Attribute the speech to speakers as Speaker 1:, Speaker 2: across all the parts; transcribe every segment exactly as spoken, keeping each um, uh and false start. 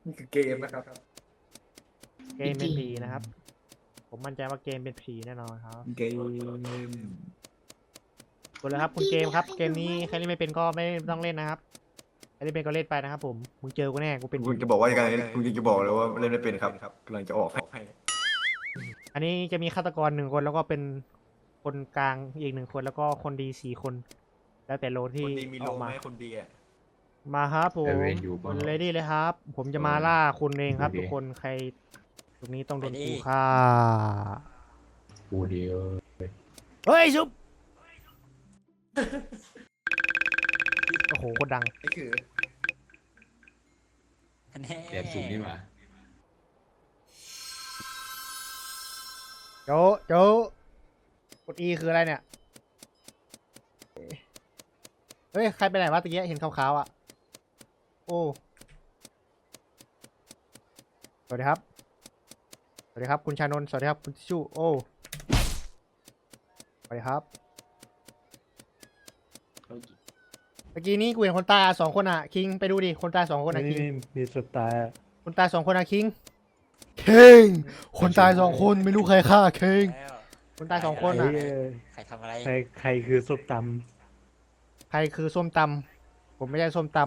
Speaker 1: นี่คือเกมนะครับ
Speaker 2: เกมเป็นผีนะครับผมมั่นใจว่าเกมเป็นผีแน่นอนครับ
Speaker 1: เกม
Speaker 2: กดเลยครับคุณเกมครับเกมนี้ใครเล่นไม่เป็นก็ไม่ต้องเล่นนะครับใครเล่นเป็นก็เล่นไปนะครับผมมึงเจอกูแน่กูเป็น
Speaker 1: คุณจะบอกว่ายังไงคุณจะบอกเลยว่าเล่นไม่เป็นครับกำลังจะออกให้
Speaker 2: อันนี้จะมีฆาตกรหนึ่งคนแล้วก็เป็นคนกลางอีกหนึ่งคนแล้วก็คนดีสี่คน แล้วแต่โลที่
Speaker 1: คนดีมี
Speaker 2: อ
Speaker 1: โล
Speaker 2: อก
Speaker 1: ไหม
Speaker 2: มา
Speaker 1: คนดีอ่ะ
Speaker 2: มาครับผม
Speaker 3: เอเวนอยู่ปะ
Speaker 2: เลดี้เลยครับ ผมจะมาล่าคุณเองครับ
Speaker 3: โอเค
Speaker 2: ทุกคนใครตรงนี้ต้องโดน
Speaker 4: ไปดิ
Speaker 2: กูฆ่า
Speaker 3: กูเดียว
Speaker 2: เฮ้ยชุบโอ้โหโคตรดัง
Speaker 1: นี่คือ
Speaker 4: แน่
Speaker 3: แบบสูงนี่หว่า
Speaker 2: โจโจกด E คืออะไรเนี่ยเฮ้ยใครไปไหนวะตะกี้เห็นขาวๆอ่ะโอ้สวัสดีครับสวัสดีครับคุณชานนท์สวัสดีครับคุณทิชชู่โอ้สวัสดีครับเมื่อกี้นี้กูเห็นคนตายสองคนอ่ะคิงไปดูดิคนตายสองคนอ่ะคิง
Speaker 5: นี่มีสุดตายอะ
Speaker 2: คนตายสองคนอ่ะคิงคิงคนตายสองคนไม่รู้ใครฆ่าคิง
Speaker 4: แล้ว
Speaker 2: คนตายสองคน
Speaker 5: ใคร
Speaker 2: อ่ะ
Speaker 5: เอ่ย
Speaker 4: ใครทำอะไร
Speaker 5: ใครใครคือสุดต
Speaker 2: ใครคือส้มตำผมไม่ใช่ส้มต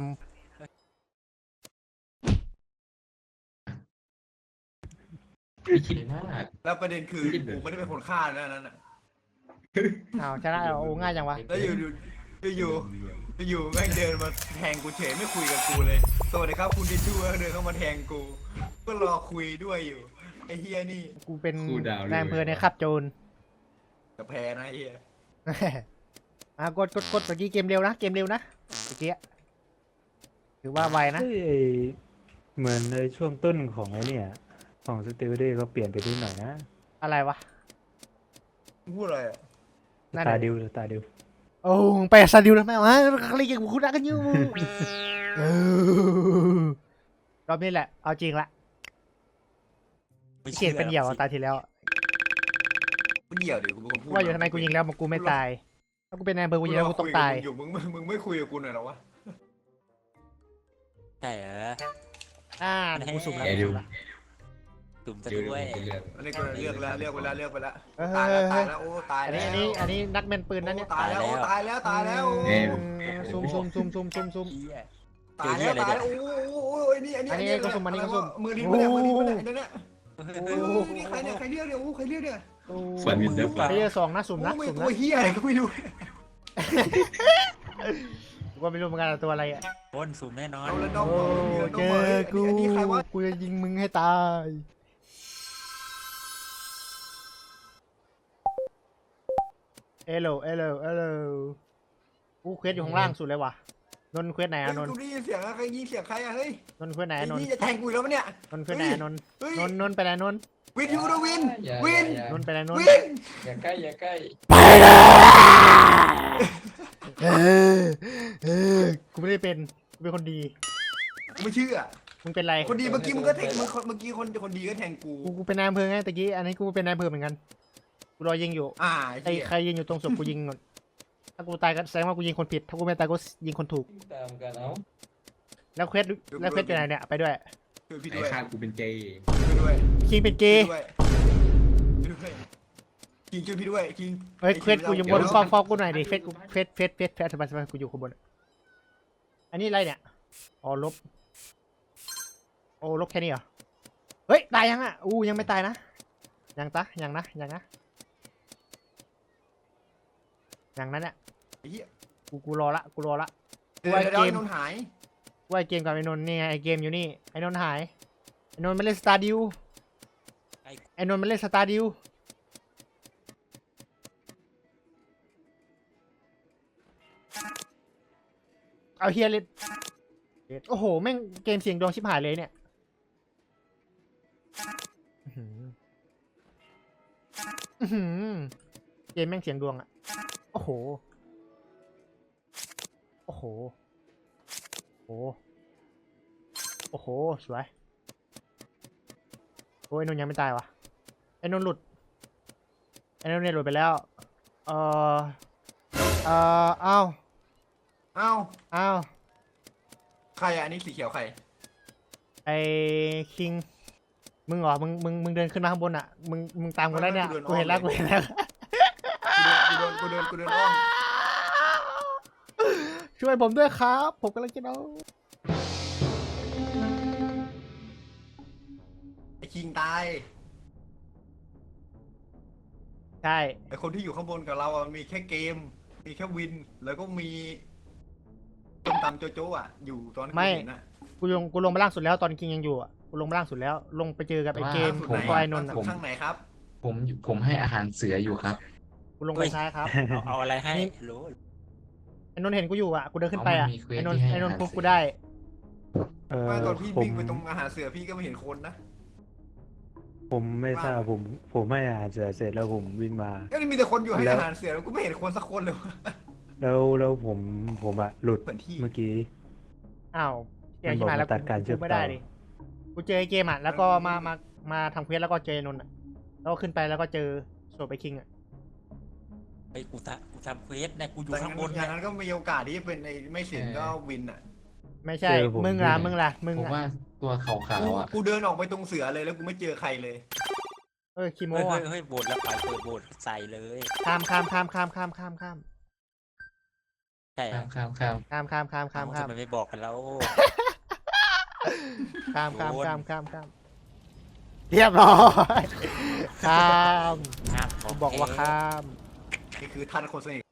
Speaker 3: ไม่คิดมาก
Speaker 1: แล้วประเด็นคือกูไม่ได้เป็นคนฆ่านะนั่นน่ะ
Speaker 2: ำอ้าวชนะแล้วโอ้ง่ายจังวะ
Speaker 1: แล้วอยู่อยู่อยู่อยู่แม่งเดินมาแทงกูเฉยไม่คุยกับกูเลยสวัสดีครับคุณทิชชู่เดินเข้ามาแทงกูก็รอคุยด้วยอยู่ไอ้เฮียนี่
Speaker 2: กูเป็น
Speaker 3: กูดาว
Speaker 2: นายอำเภอในขับโจร
Speaker 1: กับแพ้นะไอ้เฮีย
Speaker 2: อ่ะกดกดกดเมื่อกี้เกมเร็วนะเกมเร็วนะเมื่อกี้ถือว่าไว
Speaker 5: ำ
Speaker 2: นะ
Speaker 5: เฮ้ยไอ้เหมือนในช่วงต้นของไอ้เนี่ยของสติวเดย์เขาเปลี่ยนไปนิดหน่อยนะ
Speaker 2: อะไรวะ
Speaker 1: พูดอะไรอ่ะ
Speaker 2: นั่น
Speaker 5: ตา
Speaker 2: น่ะ
Speaker 5: ดิวตาดิว
Speaker 2: โอ้ไปซาดิวแล้วแม่วะเขาเรียกกูรักกันอยู่เออรอบนี้แหละเอาจริงละ
Speaker 4: ไม่
Speaker 2: เขียนเป็นเหยี่ยวอะ
Speaker 4: สิ
Speaker 2: ตายทีแล้ว
Speaker 1: กูเดี่ยวเดี๋ยวกูเป็นคนพูด
Speaker 2: ว่าอยู่ทำไมกูยิงแล้วมันกูไม่ตายถ้ากูเป็นนายอำเภอกูยิงแล้วกูต้องตาย
Speaker 1: อยู่มึงมึงไม่คุยกับกูหน่อยหรอวะ
Speaker 4: ใช่เหรอ
Speaker 2: อ่ากูสุ่มแล้ว
Speaker 3: แกดิว
Speaker 4: ตุ่มจะ
Speaker 3: เจอ
Speaker 4: ด้วย
Speaker 3: เรื่อง
Speaker 1: อันนี้กูเลือกแล้วเลือกไปแล้วเลือกไปแล้ว
Speaker 2: เออ
Speaker 1: ตายแล้วตายแล้วโอ้ตาย
Speaker 2: อัน
Speaker 1: แล้
Speaker 2: นี้
Speaker 1: ว
Speaker 2: อันนี้อันนี้นักแม่นปืนนั่นเนี่ย
Speaker 1: ตายแล้วโอ้ตายแล้วตายแล้ว
Speaker 2: เออซุ่มซุ่มซุ่มซุ่มซุ่มซุ่ม
Speaker 4: เหี้ย
Speaker 1: ตายแล้วตายแล้วโอ้โหอันนี้อันนี้
Speaker 2: อันนี้ก็ซุ่มอันนี้ก็ซุ่ม
Speaker 1: มือทิ้งไปเนี่ยมือทิ้งไปเนี่ยเดี๋ยวเนี่ย
Speaker 2: โอ้
Speaker 1: โอ้นี่ใครเนี่ยใครเรียกเนี่ยโอ้ใครเรียกเนี่ย
Speaker 3: ฟันมินเดอร์ปลา
Speaker 2: เพลเยอร์สองนะสุ่ม
Speaker 1: โอ้
Speaker 2: นะ
Speaker 1: ไม่
Speaker 2: สุ่ม
Speaker 1: ตัว
Speaker 2: นะ
Speaker 1: เฮียอะไรก็ไม่รู้
Speaker 2: กูก็ไม่รู้เหมือนกันตัวอะไรอ่ะ
Speaker 4: บนสุ่มแน่นอน
Speaker 1: เอาแล้วน้อง
Speaker 2: โอ้เจอกู
Speaker 1: อันนี้ใครวะ
Speaker 2: กูจะยิงมึงให้ตาย เอโลเอโลเอโลกูเควสอยู่ข้างล่างสุดเลยว่ะ นนท์เควสไหนอะนนท์
Speaker 1: กูได้ยินเสียงอะใครยิงเสียงใครอะเฮ้ย
Speaker 2: นนท์เควสไหน
Speaker 1: ไอ้
Speaker 2: อะนนท์
Speaker 1: นี่จะแทงกูแล้วมั้ยเนี่ย
Speaker 2: นนท์เควสไหนอะนนท์
Speaker 1: เฮ้ย
Speaker 2: นนท์นนท์ไปไหนนนท์
Speaker 1: วินยูนะวินวิน
Speaker 2: นนท์ไปไหนนนท์
Speaker 1: วิน
Speaker 3: อย่าใกล้อย่าใกล้
Speaker 2: ไปเลยเออเออกูไม่ได้เป็น กูเป็นคนดี
Speaker 1: ไม่เชื่อ
Speaker 2: มึงเป็นไร
Speaker 1: คนดีเมื่อกี้มึงก็แทงมึงเมื่อกี้คนคนดีก็แทงกู
Speaker 2: กูกูเป็นนายอำเภอไงตะกี้ อันนี้กูเป็นนายอำเภอเหมือนกัน กูรอยิงอยู่
Speaker 1: อ่า
Speaker 2: ไอ้ใครยิงอยู่ตรงศพกูยิงก่อนถ้ากูตายก็แสดงว่ากูยิงคนผิด ถ้ากูไม่ตายก็ยิงคนถูก
Speaker 3: ตามกันเอา
Speaker 2: แล้วเควสแล้วเควสอยู่ไหนเนี่ยไปด้วย
Speaker 1: ช่วยพี่
Speaker 3: ไอ้
Speaker 1: ด้วย
Speaker 3: คาดกูเป็นเจย์
Speaker 1: ช่วยด้วย
Speaker 2: คิงเป็นเก
Speaker 1: ช่วย
Speaker 2: ย์
Speaker 1: ด้วยคิงช่วยพี่ด้วยคิง
Speaker 2: เฮ้ยเควสกูอยู่บนฟอกฟอกกูหน่อยดิเควสกูเควสเควสเควสเควสสบายสบายกูอยู่ข้างบน อันนี้อะไรเนี่ย อ๋อลบ โอ้ลบแค่นี้เหรอ เฮ้ยตายยังอ่ะ อู้ยังไม่ตายนะ ยังตะยังนะยังนะยังนั้นเนี่ย
Speaker 1: ไอ้เหี้ย
Speaker 2: กูกูรอละกูรอละ
Speaker 1: เดี๋ยว
Speaker 2: ไอ้
Speaker 1: เดี๋ยว
Speaker 2: เกม
Speaker 1: นนหาย
Speaker 2: ว่าไอเกมกับไอ้นนท์นี่ไงไอเกมอยู่นี่ไอ้นนท์หายไอ้นนท์ไม่เล่นสตาร์ดิวไอ้นนท์ไม่เล่นสตาร์ดิวเอาเฮียเล่นโอ้โหแม่งเกมเสียงดวงชิบหายเลยเนี่ยอื้อหืออื้อหือเกมแม่งเสียงดวงอะโอ้โหโอ้โหโอ้โหโอ้โหสวยโอ้ยไอ้นนท์ยังไม่ตายวะไอ้นนท์หลุดไอ้นนท์เนี่ยหลุดไปแล้วเออเออเอ้า
Speaker 1: เอ้า
Speaker 2: เอ้า
Speaker 1: ใครอะอันนี้สีเขียวใคร
Speaker 2: ไอ้คิงมึงเหรอมึงมึงมึงเดินขึ้นมาข้างบนอ่ะมึงมึงตามกูแล้วเนี่ยกูเห็นแล้วกูเห็นแล้ว
Speaker 1: กูเดินกูเดินกูเดินอ้อม
Speaker 2: ช่วยผมด้วยครับ ผมกำลังจะเอา
Speaker 1: ไอ้คิงตาย
Speaker 2: ใช่
Speaker 1: ไอ้คนที่อยู่ข้างบนกับเราอะมีแค่เกม มีแค่วิน แล้วก็มีต้มตำโจโจ้อะอยู่ตอนที่กูเห็นอะ
Speaker 2: กูลงกูลงมาล่างสุดแล้วตอนคิงยังอยู่อ่ะกูลงมาล่างสุดแล้ว ลงไปเจอกับไอ้เกม
Speaker 1: สุด
Speaker 2: ของ
Speaker 1: ไหน
Speaker 2: ตัวไอ้นนท์อะ
Speaker 1: ข้างไหนครับ
Speaker 3: ผมผมให้อาหารเสืออยู่ครับ
Speaker 2: กูลงไปซ้ายครับ
Speaker 4: เอาเอาอะไรให้
Speaker 2: นี่
Speaker 4: รู้
Speaker 2: ไอ้นนท์เห็นกูอยู่อ่ะกูเดินขึ้นไปอ่ะ
Speaker 3: เอามันมีเควส
Speaker 2: ไอ้นนท์
Speaker 3: ที่ให้
Speaker 2: ไอ้นนท์
Speaker 3: อาหาร
Speaker 2: ปุ๊บ
Speaker 3: เสือ
Speaker 2: กูได้
Speaker 5: เออ
Speaker 1: ว่าตอนพี่
Speaker 5: ผม
Speaker 1: วิ่งไปตรงอาหารเสือพี่ก็ไม่เห็นคนนะ
Speaker 5: ผมไม่ทราบผม ผมให้อาหารเสร็จเสร็จแล้วผมวิ่งมา
Speaker 1: ก็มีแต่คนอยู่ให้
Speaker 5: แล้ว
Speaker 1: อาหารเสือแล้วกูไม่เห็นคนสักคนเลยวะ
Speaker 5: แล้วแล้วผมผมอะหลุด
Speaker 1: เหมือนที่
Speaker 5: เมื่อกี้
Speaker 2: อ้าวเจอ
Speaker 5: มัน
Speaker 2: ที่มาแล้ว
Speaker 5: บอกว่าตัดการเชื่อม
Speaker 2: กูไม่ได้
Speaker 5: ต่อ
Speaker 2: ดิกูเจอไอ้เกมอ่ะแล้วก็มามามาทำเควสแล้วก็เจอไอ้นนท์อ่ะแล้วก็ขึ้นไปแล้วก็เจอโซไปคิงอ่ะ
Speaker 4: ไอ้กูทำกูทำเควสเนี่ยกูอยู่
Speaker 1: แต่
Speaker 4: ข้างบน
Speaker 1: อ
Speaker 4: เนี่
Speaker 1: ย่าย งนั้นก็มีโอกาสที่จะเป็นไอ้ไม่สินก็วินอะ
Speaker 2: ไม่ใช่
Speaker 5: เจอผม
Speaker 2: มึงล่ะ
Speaker 5: ด้วย
Speaker 2: มึงล่ะมึง
Speaker 3: ผม
Speaker 2: อ่ะ
Speaker 3: ว่าตัวขาว
Speaker 1: กู
Speaker 3: ๆอ่ะ
Speaker 1: กูเดินออกไปตรงเสือเลยแล้วกูไม่เจอใครเลย
Speaker 2: เออคิโม
Speaker 4: เฮ้ย
Speaker 2: อ่ะ
Speaker 4: เฮ้ยเฮ้ยโบดแล้วไปเปิดโบดใส่เลย
Speaker 2: ข้ามข้ามข้ามข้ามข้ามข้ามข้าม
Speaker 4: ใช่
Speaker 3: ข้ามข้ามข้าม
Speaker 2: ข้ามข้ามข้ามข้ามข้าม
Speaker 4: ทำไมไม่บอกกันแล้ว
Speaker 2: ข้ามข้าม
Speaker 4: โดน
Speaker 2: ข้ามข้ามข้ามเรียบร้อยข้าม
Speaker 4: ห้าม
Speaker 2: ผมบอกว่าข้าม
Speaker 1: นี่คือท่านคนสนิท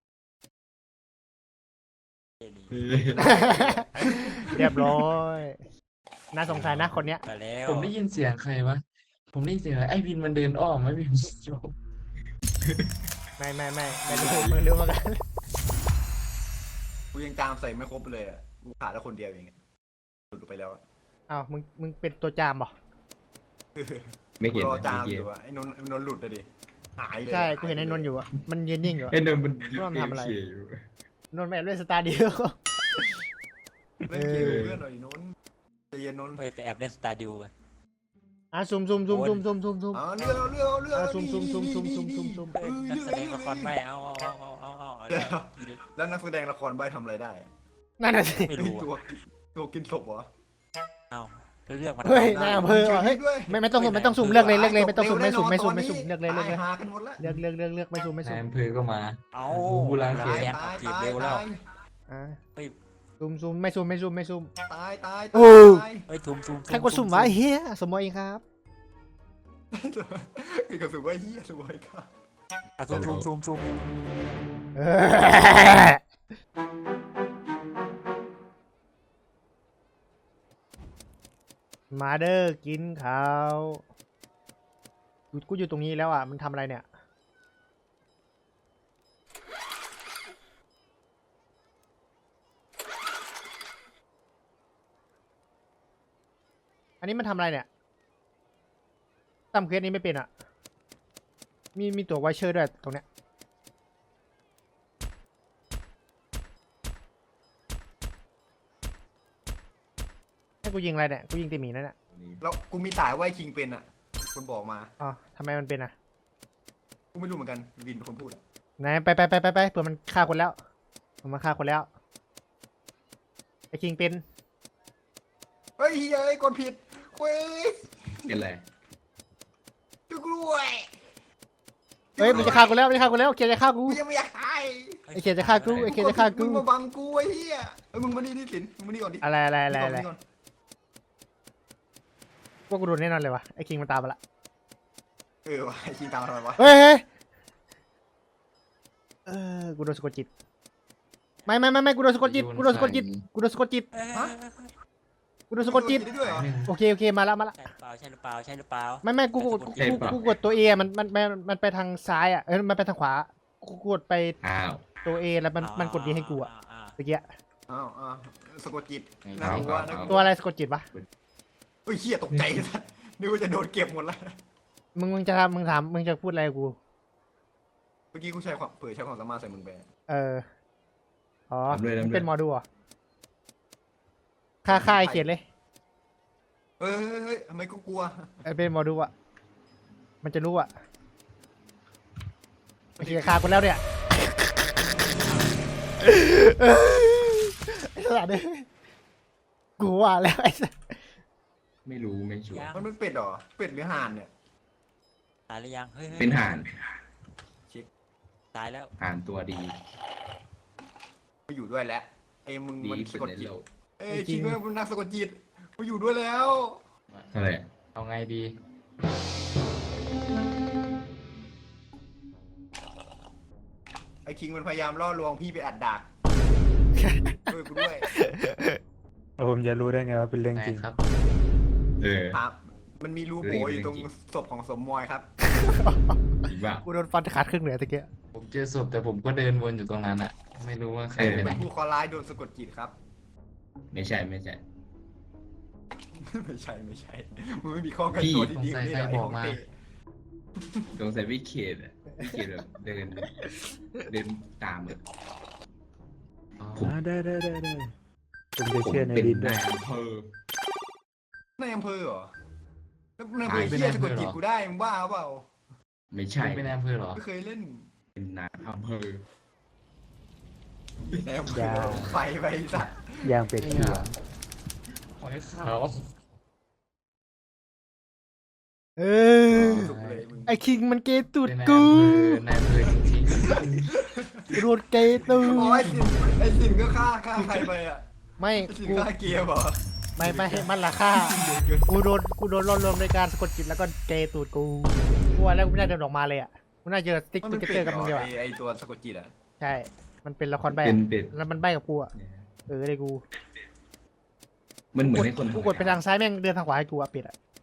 Speaker 2: เรียบร้อยน่าสงสัยนะคนเนี้ย
Speaker 4: มาแล้ว
Speaker 3: ผมได้ยินเสียงใครวะผมได้ยินเสียงอะไรไอ้วินมันเดินอ้อมไม่วินโยก
Speaker 2: ไม่ไม่ไม่ไม่รู้มึงรู้มากัน
Speaker 1: กูยังตามใส่ไม่ครบเลยอะกูขาดแล้วคนเดียวเองอะหลุดออกไปแล้วอะ
Speaker 2: อ้าวมึงมึงเป็นตัวจามเหรอ
Speaker 6: ไม่เห็น
Speaker 1: รอ
Speaker 6: นะ
Speaker 1: จาม
Speaker 6: เมื่อ
Speaker 1: อ
Speaker 6: กี้
Speaker 1: ยู่อะไอ้นนท์ไอ้นนท์หลุดเลยดิหายเลย
Speaker 2: ใช่กูเห็นไอ้นนท์อยู่อ่ะมันยืนนิ่งอยู่อะ
Speaker 6: ไอ้นนท์มัน
Speaker 2: ว่ามันทำอะไร
Speaker 6: เขียอยู่
Speaker 2: นนท์แม่เล่นสตาร์เดียว
Speaker 1: เล่นเกมกับเพื่อนหน่อยนนท์ใจเย็นนนท์
Speaker 4: ไปไปแอบเล่นสตาร์ดิวกัน
Speaker 2: อ่ะซูมซูมซูมซูมซูมซูมซูม
Speaker 1: อ๋อเรื่องเอาเรื่องเอาเรื่อง
Speaker 2: อ่ะซุ่มซุ่มซุ่มซุ่มซุ่มซุ่มซุ่ม
Speaker 4: เฮ้ยนักแสดงละครไม่เอาเอาเอาเอาเอาเอา
Speaker 1: แล้วนักแสดงละครใบทำอะไรได้อะ
Speaker 2: นั่นน่ะสิ
Speaker 4: ไม่รู้
Speaker 1: ตัว
Speaker 4: อะ
Speaker 1: ตัวกินศพเหรอ
Speaker 4: เอาเรื่องมัน
Speaker 2: เฮ้ย
Speaker 1: ได้
Speaker 2: นายอำเภอว่ะเฮ้ย
Speaker 1: ด้วย
Speaker 2: ไม่ไม่ต้องสุ่มไม่ต้องสุ่มเลือกเลยเลือกเลยไม่ต้องสุ่มไม่สุ่มไม่สุ่มไม่สุ่มเลือกเลยเลือกเลย
Speaker 1: ตายหากันหมดแล้ว
Speaker 2: เลือกเลือกเลือกเลือกไม่สุ่มไม่
Speaker 3: นา
Speaker 2: สุ่
Speaker 3: ย
Speaker 2: ม
Speaker 3: อำเภอก็มา
Speaker 4: เอา
Speaker 3: บูราณเข
Speaker 1: ตาย
Speaker 3: ต
Speaker 1: ตาย
Speaker 4: จีบ
Speaker 1: ตาย
Speaker 4: เร็วแล้ว
Speaker 1: ตาย
Speaker 2: อ่ะ
Speaker 4: เฮ้ย
Speaker 2: สุ่มสุ่มไม่สุ่มไม่สุ่มไม่สุ่ม
Speaker 1: ตายตาย
Speaker 2: โอ้
Speaker 1: ตาย
Speaker 4: เฮ้ยทุมทุม
Speaker 2: ใครกดสุ่มวะไอ้เฮียสมมติเองครับ
Speaker 1: คือกระสุนว่าเฮียสวยครับ
Speaker 4: อ่ะทุมทุมทุมทุม
Speaker 2: เออมาเด้อกินข้าวกูกูอยู่ตรงนี้แล้วอ่ะมันทำอะไรเนี่ยอันนี้มันทำอะไรเนี่ยทำเควสนี้ไม่เป็นอ่ะมีมีตัวไวเชอร์ด้วยตรงเนี้ยให้กูยิงอะไรเนี่ยกูยิงตีหมีนั่นแหละ
Speaker 1: แล้วกูมีสายไว้คิงเป็นอ่ะคนบอกมา
Speaker 2: อ๋อทำไมมันเป็นอ่ะ
Speaker 1: กูไม่รู้เหมือนกันวินเป็นคนพูดอะ
Speaker 2: ไหนไปไปไปไปไปเผื่อมันฆ่าคนแล้วมันฆ่าคนแล้วไอ้คิงเป็น
Speaker 1: เฮ้ยเฮียไอ้ยกดผิดเว้ย
Speaker 6: เป็นไร
Speaker 1: จุกด้วย
Speaker 2: เฮ้ยมันจะฆ่ากูแล้วมันจะฆ่ากูแล้วเกียร์จะฆ่ากู
Speaker 1: กูยังไม่อยากตาย
Speaker 2: ไอ้เกียร์จะฆ่ากูไอ้เกียร์จะฆ่ากู
Speaker 1: มึงมาบังกูไอ้เฮียเอ้ยมึงมานี่นี่สินมึงมานี่ก่อนดิ
Speaker 2: อะไรอะไรอะไรอะไร
Speaker 1: นี่ก่อน
Speaker 2: พวกกูโดนแน่นอนเลยวะไอ้คิงมันตามมาละ
Speaker 1: เออวะไอ้คิงตามมาทำไมวะ
Speaker 2: เฮ้ยเฮ้ยเออกูโดนสะกดจิตไม่ไม่ไม่ไม่กูโดนสะกดจิตกูโดนสะกดจิตกูโดนสะกดจิต
Speaker 4: เอ้ย
Speaker 2: กูโดนสะกดจิต
Speaker 1: ได้ด้วยเหรอ
Speaker 2: โอเคโอเคมาแล้วมาแล้ว
Speaker 4: ใช่หรือเปล่าใช่หรือเปล่าใช่หรือเปล่า
Speaker 2: ไม่ไม่กูกดกูกูกูกดตัวเอมันมันมันมันไปทางซ้ายอ่ะเออมันไปทางขวากูกดไป
Speaker 6: อ้าว
Speaker 2: ตัวเอแล้วมันมันกดดีให้กูอ่ะ
Speaker 4: า
Speaker 2: เมื่อกี้
Speaker 1: อ้าวอ้าวสะกดจิต
Speaker 6: เอา
Speaker 1: น่ากลัว
Speaker 6: เอา
Speaker 1: น่ากลั
Speaker 2: ตัวอะไรสะกดจิตวะ
Speaker 1: เฮ้ยเฮียตกใจสัสนึกว่าจะโดนเก็บหมดแล้ว
Speaker 2: มึงมึงจะทำมึงถามมึงจะพูดอะไรกับกู
Speaker 1: เมื่อกี้กูใช้ความเผยใช้ความสามารถใส่มึงไป
Speaker 2: เออ อ๋อ
Speaker 6: ทำด้วยทำด้วย
Speaker 2: มึงเป็นหมอดูเหรอค่าค่าไอเขียนเลย
Speaker 1: เฮ้ยเฮ้ยเฮ้ยทำไมกูกลัว
Speaker 2: ไอเป็นหมอดูอ่ะ มันจะรู้อ่ะไอเขียนฆ่ากูแล้วเนี่ยไอ้สัตว์เนี่ยกูว่าแล้วไอ้สัตว์
Speaker 6: ไม่รู้ไม่ชัวร์
Speaker 4: ยัง
Speaker 1: มันเป็นเป็ดเหรอเป็ดหรือห่านเนี่ย
Speaker 4: ตายหรือยังเฮ้ยฮ้ย
Speaker 6: เป็นห่าน
Speaker 4: ตายแล้ว
Speaker 6: ห่านตัวดี
Speaker 1: มาอยู่ด้วยแล้วไอ้มึง
Speaker 6: ดี
Speaker 1: มัน
Speaker 6: ที่
Speaker 1: สะ
Speaker 6: สุด
Speaker 1: กด
Speaker 6: ใน
Speaker 1: จิต
Speaker 6: โลก
Speaker 1: เอ้ยคิงแม่งเป็นนักสะกดจิตมาอยู่ด้วยแล้ว
Speaker 6: อะไร
Speaker 3: เอาไงดี
Speaker 1: ไอ้คิงมันพยายามล่อลวงพี่ไปอัดดักด้วยกูด้วย
Speaker 5: ผมจะรู้ได้ไงว่าเป็นเรื่อง
Speaker 3: ไง
Speaker 5: จริง
Speaker 3: ครับ
Speaker 6: เออ
Speaker 1: ครับ มันมีรูโบอยู่ตรงศพของสมมอยครับ
Speaker 6: จริงป่ะ
Speaker 2: กูโดนฟันขาดครึ่งเหนือตะเกีย
Speaker 3: ผมเจอศพแต่ผมก็เดินวนอยู่ตรงนั้นอะไม่รู้ว่าใคร
Speaker 6: เออ
Speaker 3: ไปไหน
Speaker 1: เป็นผู้เคอร้ายโดนสะกดจิตครับ
Speaker 6: ไม่ใช่ไม่ใช่
Speaker 1: ไม่ใช่ไม่ใช่มึงไม่มีข้อกันตัวที่ดีกว่านี่หรอไอ้ของเต้
Speaker 6: สงสัยวิเขตอะวิเขตแบบเดิน เดินตามอะ
Speaker 3: อ๋อ
Speaker 5: อ่าได้ได้ได้ได้ผมจะ
Speaker 6: ผม
Speaker 5: เชื่อใน
Speaker 6: เป็น
Speaker 5: ดินด้
Speaker 6: นา
Speaker 5: วย
Speaker 6: ยอำเภอ
Speaker 1: ในอำเภอเหรอแล้วในอำเภอเฮียสะกดจิตกูได้มึงบ้าเปล่า
Speaker 6: ไม่ใช่
Speaker 3: คุณเป็นนายอำเภอเหรอ
Speaker 1: ไม่เคยเล่น
Speaker 6: เป็นนายอำเภอ
Speaker 1: ในอำเภอไฟไปสัตว์
Speaker 5: ย่างเป็ดเขียว
Speaker 3: หอยขาว
Speaker 2: เออ
Speaker 1: สุกเลยมึง
Speaker 2: ไอคิงมันเกย์ตูด
Speaker 3: เป็นนาย
Speaker 2: กู
Speaker 3: อำเภอนายอำเภอจริง
Speaker 2: กูโดนเกย์ตู
Speaker 1: โอ้ย
Speaker 2: ด
Speaker 1: สินไอ้สินก็ฆ่าฆ่าใครไปอ่ะ
Speaker 2: ไม่
Speaker 1: ไอ้สิน
Speaker 2: กู
Speaker 1: ฆ่าเกียร์เหรอ
Speaker 2: ไม่ไม่ให้มันละค่ากูโดนกูโดนล่อลวงในการสะกดจิตแล้วก็เกย์ตูดกูกูว่าแล้วกูไม่น่าเดินออกมาเลยอ่ะกูน่าเจอสติ๊ก
Speaker 1: มัน
Speaker 2: ส
Speaker 1: เป็น
Speaker 2: ติ๊ก
Speaker 1: เป็
Speaker 2: เกอ
Speaker 1: ด
Speaker 2: ร์
Speaker 1: เหร
Speaker 2: กับมึงเดียว
Speaker 1: อไอ้
Speaker 2: อะ
Speaker 1: ไอ้ตัวสะกดจิตอ่ะ
Speaker 2: ใช่ มันเป็นละครใบ
Speaker 6: เป็
Speaker 2: อะ
Speaker 6: นเป็ด
Speaker 2: แล้วมันใบกับกูอ่ะเออเลยกู
Speaker 6: มันเหมือนให้คน
Speaker 2: กูกดไปทางซ้ายแม่งเดินทางขวาให้กูอะเป็ดอะ